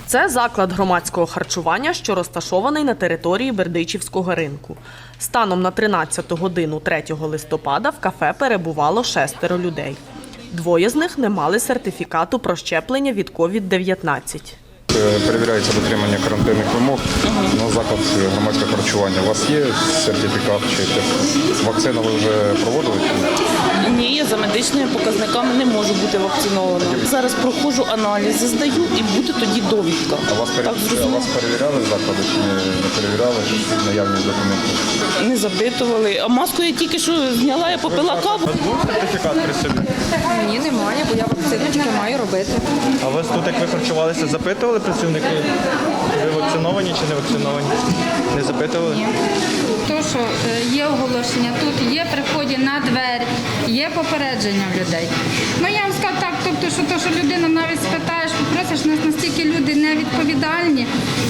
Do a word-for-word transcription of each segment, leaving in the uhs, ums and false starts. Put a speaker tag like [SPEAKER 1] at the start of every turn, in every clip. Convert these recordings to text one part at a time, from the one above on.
[SPEAKER 1] Це заклад громадського харчування, що розташований на території Бердичівського ринку. Станом на тринадцяту годину третього листопада в кафе перебувало шестеро людей. Двоє з них не мали сертифікату про щеплення від ковід дев'ятнадцять.
[SPEAKER 2] Перевіряється дотримання карантинних вимог на заклад громадського харчування. У вас є сертифікат чи вакцину ви вже проводили?
[SPEAKER 3] Ні, я за медичними показниками не можу бути вакцинована. Зараз проходжу аналізи, здаю і буде тоді довідка.
[SPEAKER 2] А вас, пере... а вас перевіряли заклади чи не перевіряли наявність документів?
[SPEAKER 3] Не запитували. А маску я тільки що зняла, я попила каву.
[SPEAKER 2] Був сертифікат при собі?
[SPEAKER 4] Ні, немає, бо я вакциночки маю робити.
[SPEAKER 5] А вас тут, як ви харчувалися, запитували працівники? Ви вакциновані чи не вакциновані? Не запитували?
[SPEAKER 4] Ні.
[SPEAKER 6] То, що е, є оголошення, тут є при вході на двері, є попередження в людей. Ну я вам скажу так, тобто, що то, що людина навіть спитаєш, попросиш, нас настільки люди невідповідальні,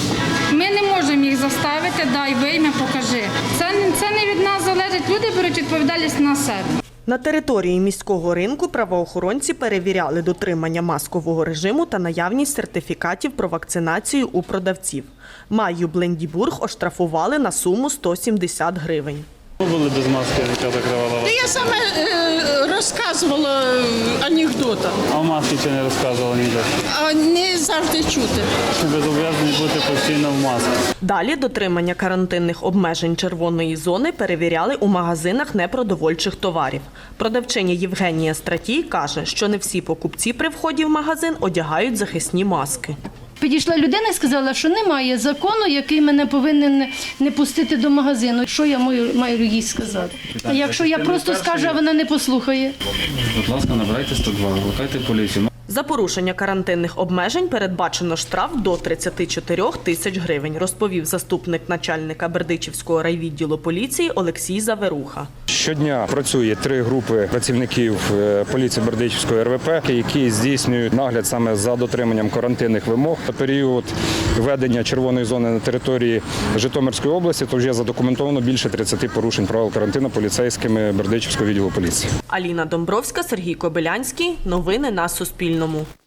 [SPEAKER 6] ми не можемо їх заставити, дай вийми, покажи. Це, це не від нас залежить, люди беруть відповідальність на себе.
[SPEAKER 1] На території міського ринку правоохоронці перевіряли дотримання маскового режиму та наявність сертифікатів про вакцинацію у продавців. Майю Блендібург оштрафували на суму сто сімдесят гривень.
[SPEAKER 5] Ви були без маски, яка закривала вас?
[SPEAKER 7] Я саме е, розказувала анекдоти,
[SPEAKER 5] А в маски чи не розказували ніде?
[SPEAKER 7] а не завжди чути.
[SPEAKER 5] Ви зобов'язані бути постійно в масці.
[SPEAKER 1] Далі дотримання карантинних обмежень червоної зони перевіряли у магазинах непродовольчих товарів. Продавчиня Євгенія Стратій каже, що не всі покупці при вході в магазин одягають захисні маски.
[SPEAKER 8] Підійшла людина і сказала, що немає закону, який мене повинен не пустити до магазину. Що я маю, маю їй сказати? А якщо я просто скажу, а вона не послухає?
[SPEAKER 9] Будь ласка, набирайте сто два, викликайте поліцію.
[SPEAKER 1] За порушення карантинних обмежень передбачено штраф до тридцяти чотирьох тисяч гривень, розповів заступник начальника Бердичівського райвідділу поліції Олексій Заверуха.
[SPEAKER 2] Щодня працює три групи працівників поліції Бердичівської ер ве пе, які здійснюють нагляд саме за дотриманням карантинних вимог. На період введення червоної зони на території Житомирської області то вже задокументовано більше тридцяти порушень правил карантину поліцейськими Бердичівського відділу поліції.
[SPEAKER 1] Аліна Домбровська, Сергій Кобилянський. Новини на Суспільному.